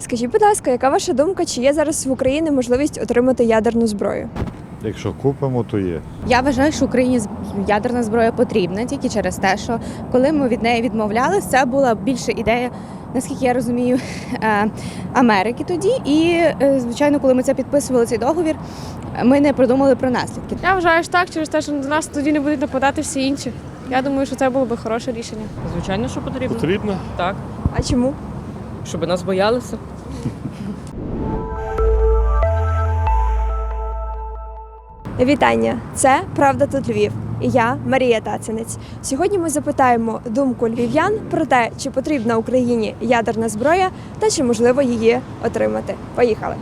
Скажіть, будь ласка, яка ваша думка, чи є зараз в Україні можливість отримати ядерну зброю? Якщо купимо, то є. Я вважаю, що Україні ядерна зброя потрібна тільки через те, що коли ми від неї відмовлялися, це була більше ідея, наскільки я розумію, Америки тоді. І, звичайно, коли ми це підписували, цей договір, ми не продумали про наслідки. Я вважаю, що так, через те, що до нас тоді не будуть нападати всі інші. Я думаю, що це було б хороше рішення. Звичайно, що потрібно. Потрібно? Так, А чому? щоб нас боялися. Вітання! Це «Правда тут Львів» і я, Марія Тацинець. Сьогодні ми запитаємо думку львів'ян про те, чи потрібна Україні ядерна зброя та чи можливо її отримати. Поїхали!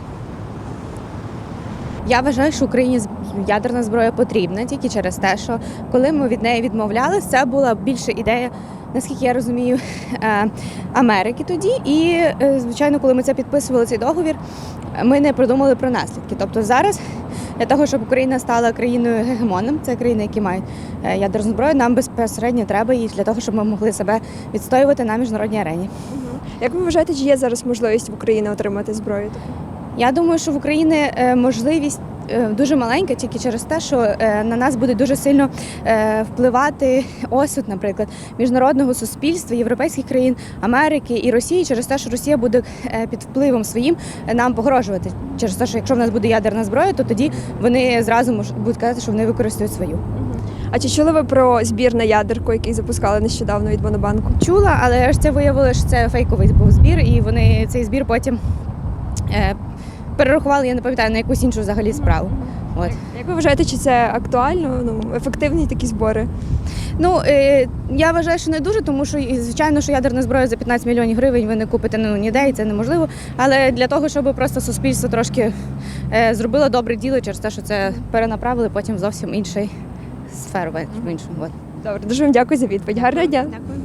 Я вважаю, що Україні ядерна зброя потрібна тільки через те, що коли ми від неї відмовлялися, це була більше ідея, наскільки я розумію, Америки тоді. І, звичайно, коли ми це підписували, цей договір, ми не продумали про наслідки. Тобто зараз для того, щоб Україна стала країною гегемоном, це країни, які мають ядерну зброю, нам безпосередньо треба її для того, щоб ми могли себе відстоювати на міжнародній арені. Як ви вважаєте, чи є зараз можливість в Україні отримати зброю? Я думаю, що в Україні можливість дуже маленька тільки через те, що на нас буде дуже сильно впливати осуд, наприклад, міжнародного суспільства, європейських країн, Америки і Росії, через те, що Росія буде під впливом своїм нам погрожувати. Через те, що якщо в нас буде ядерна зброя, то тоді вони зразу будуть казати, що вони використають свою. А чи чули ви про збір на ядерку, який запускали нещодавно від Монобанку? Чула, але ж це виявилося, що це фейковий був збір, і вони цей збір потім перерахували, я не пам'ятаю, на якусь іншу взагалі справу. От. Як ви вважаєте, чи це актуально, ефективні такі збори? Я вважаю, що не дуже, тому що, звичайно, що ядерна зброя за 15 мільйонів гривень ви не купите ніде, і це неможливо. Але для того, щоб просто суспільство трошки зробило добре діло через те, що це перенаправили потім в зовсім інший сферу, в іншу. От. Добре, дуже вам дякую за відповідь. Гарного дня. Дякую.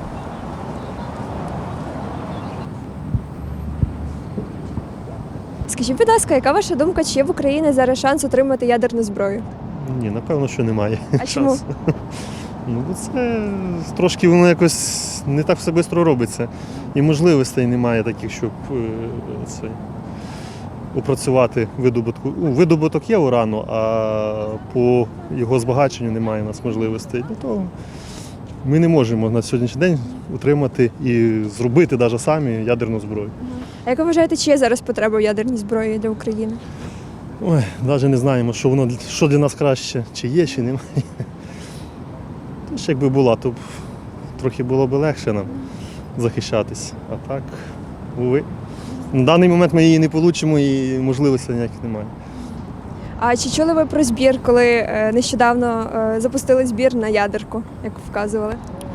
Скажіть, будь ласка, яка ваша думка, чи є в Україні зараз шанс отримати ядерну зброю? Ні, напевно, що немає. А чому? шансу. Ну, бо це трошки воно якось не так все швидко робиться. І можливостей немає таких, щоб опрацювати видобутку. Видобуток є урану, а по його збагаченню немає у нас можливостей. Для того ми не можемо на сьогоднішній день утримати і зробити навіть самі ядерну зброю. А як ви вважаєте, чи є зараз потреба в ядерній зброї для України? Ой, навіть не знаємо, що для нас краще, чи є, чи немає. Тож, якби була, то б трохи було б легше нам захищатись. А так, уви. На даний момент ми її не отримаємо і можливостей ніяких немає. А чи чули ви про збір, коли нещодавно запустили збір на ядерку, як вказували?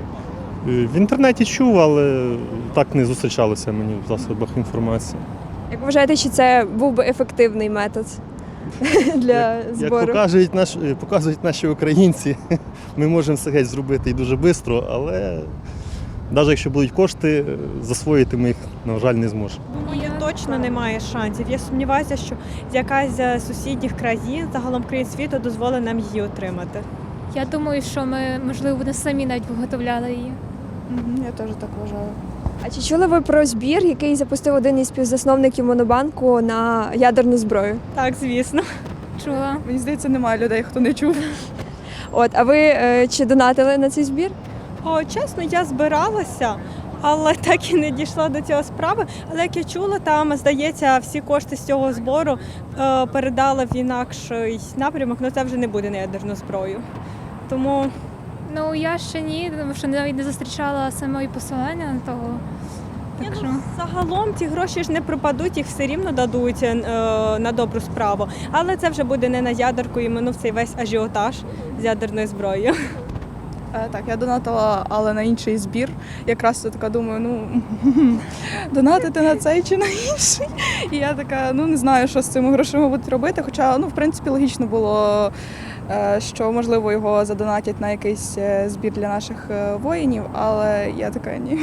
В інтернеті чув, але так не зустрічалося мені в засобах інформації. Як ви вважаєте, чи це був би ефективний метод для збору? Як показують наші українці, ми можемо все геть зробити і дуже швидко, але навіть якщо будуть кошти, засвоїти ми їх, на жаль, не зможемо. Думаю, точно немає шансів. Я сумніваюся, що якась з сусідніх країн, загалом країн світу, дозволить нам її отримати. Я думаю, що ми, можливо, не самі навіть виготовляли її. Я теж так вважаю. А чи чули ви про збір, який запустив один із співзасновників Монобанку на ядерну зброю? Так, звісно. Чула. Мені здається, немає людей, хто не чув. А ви чи донатили на цей збір? Чесно, я збиралася, але так і не дійшла до цього справи. Але як я чула, там, здається, всі кошти з цього збору передали в інакший напрямок, але це вже не буде на ядерну зброю. Тому Ну, я ще ні, тому що навіть не зустрічала самої посилання на того. Так що... загалом ці гроші ж не пропадуть, їх все рівно дадуть на добру справу. Але це вже буде не на ядерку, і минув цей весь ажіотаж з ядерною зброєю. Так, я донатила, але на інший збір. Якраз така думаю, донатити на цей чи на інший. І я така, не знаю, що з цими грошима будуть робити. Хоча, в принципі, логічно було, що, можливо, його задонатять на якийсь збір для наших воїнів, але я така, ні.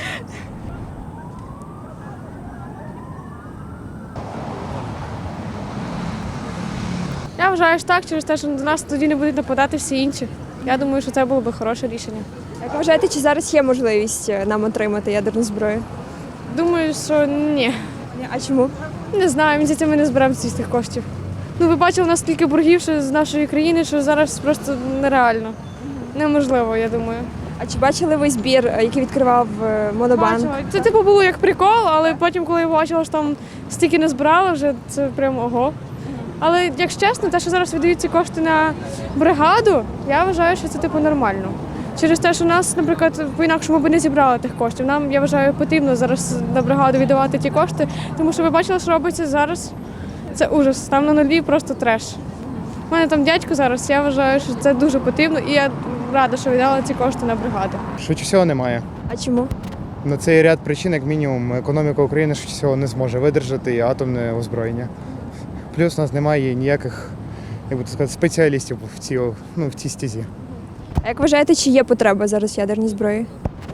Я вважаю, що так, через те, що до нас тоді не будуть нападати всі інші. Я думаю, що це було б хороше рішення. Як ви вважаєте, чи зараз є можливість нам отримати ядерну зброю? Думаю, що ні. А чому? Не знаю, мені здається, ми не зберемо всіх тих коштів. Ну, ви бачили, наскільки боргів ще з нашої країни, що зараз просто нереально. Неможливо, я думаю. А чи бачили ви збір, який відкривав Монобанк? Бачила. Це типу було як прикол, але потім, коли я бачила, що там стільки не збирали, вже це прям ого. Але, якщо чесно, те, що зараз видають ці кошти на бригаду, я вважаю, що це типу нормально. Через те, що нас, наприклад, по-інакшому би не зібрали тих коштів. Нам, я вважаю, потрібно зараз на бригаду віддавати ті кошти, тому що ви бачили, що робиться зараз. Це ужас. Там на нулі просто треш. У мене там дядько зараз, я вважаю, що це дуже потрібно, і я рада, що віддала ці кошти на бригаду. Швидше всього немає. А чому? На цей ряд причин, як мінімум, економіка України швидше всього не зможе видержати і атомне озброєння. Плюс у нас немає ніяких, як би так сказати, спеціалістів в цій стезі. А як вважаєте, чи є потреба зараз в ядерній зброї?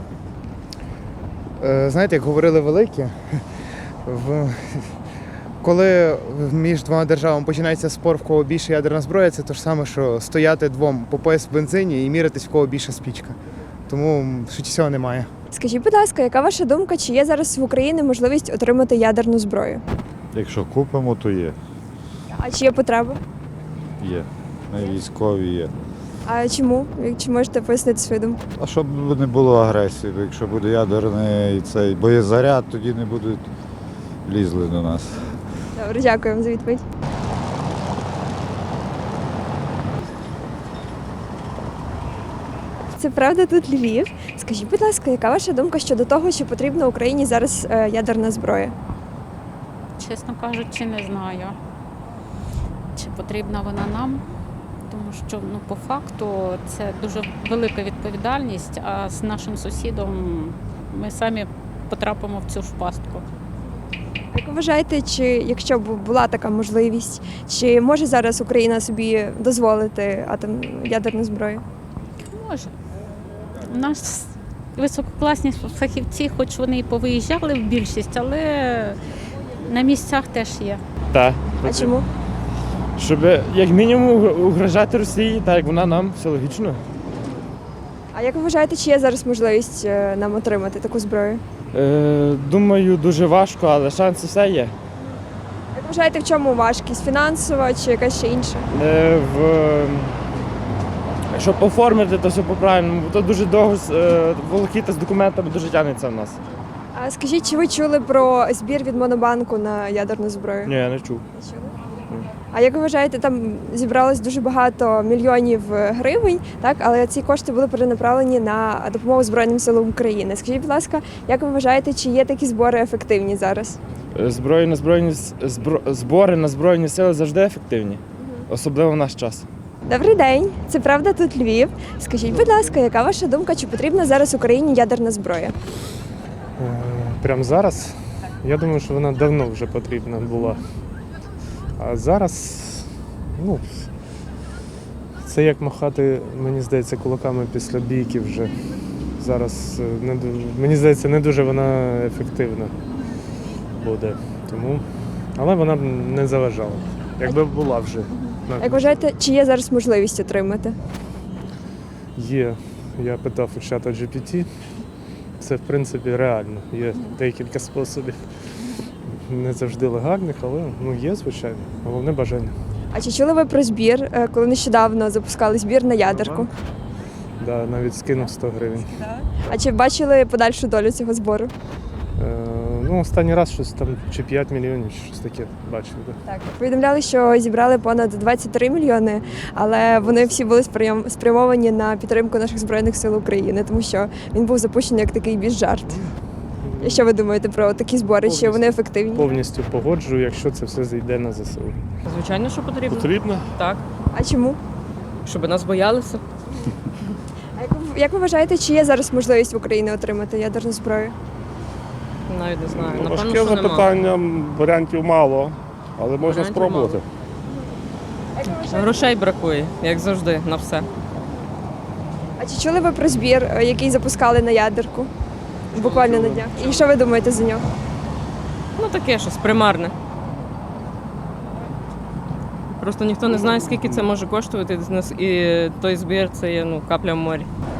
Знаєте, як говорили великі, коли між двома державами починається спор, в кого більше ядерна зброя, це те ж саме, що стояти двом по пояс в бензині і міритись, в кого більша спічка. Тому швидше всього немає. Скажіть, будь ласка, яка ваша думка, чи є зараз в Україні можливість отримати ядерну зброю? Якщо купимо, то є. А чи є потреба? Є. На військові є. А чому? Чи можете пояснити свою думку? А щоб не було агресії, бо якщо буде ядерний цей боєзаряд, тоді не будуть лізли до нас. Добре, дякую вам за відповідь. Це правда тут Львів. Скажіть, будь ласка, яка ваша думка щодо того, чи потрібна Україні зараз ядерна зброя? Чесно кажучи, не знаю, чи потрібна вона нам, тому що по факту це дуже велика відповідальність, а з нашим сусідом ми самі потрапимо в цю ж пастку. Як ви вважаєте, чи якщо б була така можливість, чи може зараз Україна собі дозволити ядерну зброю? Може. У нас висококласні фахівці, хоч вони і повиїжджали в більшість, але на місцях теж є. Так. А чому? Щоб як мінімум угрожати Росії, так як вона нам, все логічно. А як ви вважаєте, чи є зараз можливість нам отримати таку зброю? Думаю, дуже важко, але шанси все є. Як ви вважаєте, в чому важкість? Фінансова чи якась ще інша? Щоб оформити, то все по-правильному, бо то дуже довго волокіта з документами дуже тягнеться в нас. А скажіть, чи ви чули про збір від Монобанку на ядерну зброю? Ні, я не чув. Не чули? А як ви вважаєте, там зібралось дуже багато мільйонів гривень, так? Але ці кошти були перенаправлені на допомогу Збройним силам України. Скажіть, будь ласка, як ви вважаєте, чи є такі збори ефективні зараз? Збори на Збройні сили завжди ефективні, особливо в наш час. Добрий день, це правда тут Львів. Скажіть, будь ласка, яка ваша думка, чи потрібна зараз Україні ядерна зброя? Прямо зараз? Я думаю, що вона давно вже потрібна була. А зараз, це як махати, мені здається, кулаками після бійки вже. Зараз, мені здається, не дуже вона ефективна буде. Тому, але вона б не заважала, якби була вже. Як вважаєте, чи є зараз можливість отримати? Є. Я питав у чата GPT. Це, в принципі, реально. Є декілька способів. Не завжди легальних, але є, звичайно. Головне бажання. А чи чули ви про збір, коли нещодавно запускали збір на ядерку? Да, навіть скинув 100 гривень. А чи бачили подальшу долю цього збору? Останній раз щось там чи 5 мільйонів, чи щось таке бачив. Да. Так, повідомляли, що зібрали понад 23 мільйони, але вони всі були спрямовані на підтримку наших Збройних сил України, тому що він був запущений як такий більш жарт. І що ви думаєте про такі збори? Чи вони ефективні? Повністю погоджую, якщо це все зайде на ЗСУ. Звичайно, що потрібно. Потрібно? Так. А чому? Щоб нас боялися. А як ви вважаєте, чи є зараз можливість в Україні отримати ядерну зброю? Навіть не знаю. Напевно, Важке що нема. запитання, варіантів мало, але можна Варіантів спробувати. Грошей бракує, як завжди, на все. А чи чули ви про збір, який запускали на ядерку? Буквально на днях. І що ви думаєте за нього? Таке щось примарне. Просто ніхто не знає, скільки це може коштувати, і той збір це є капля в морі.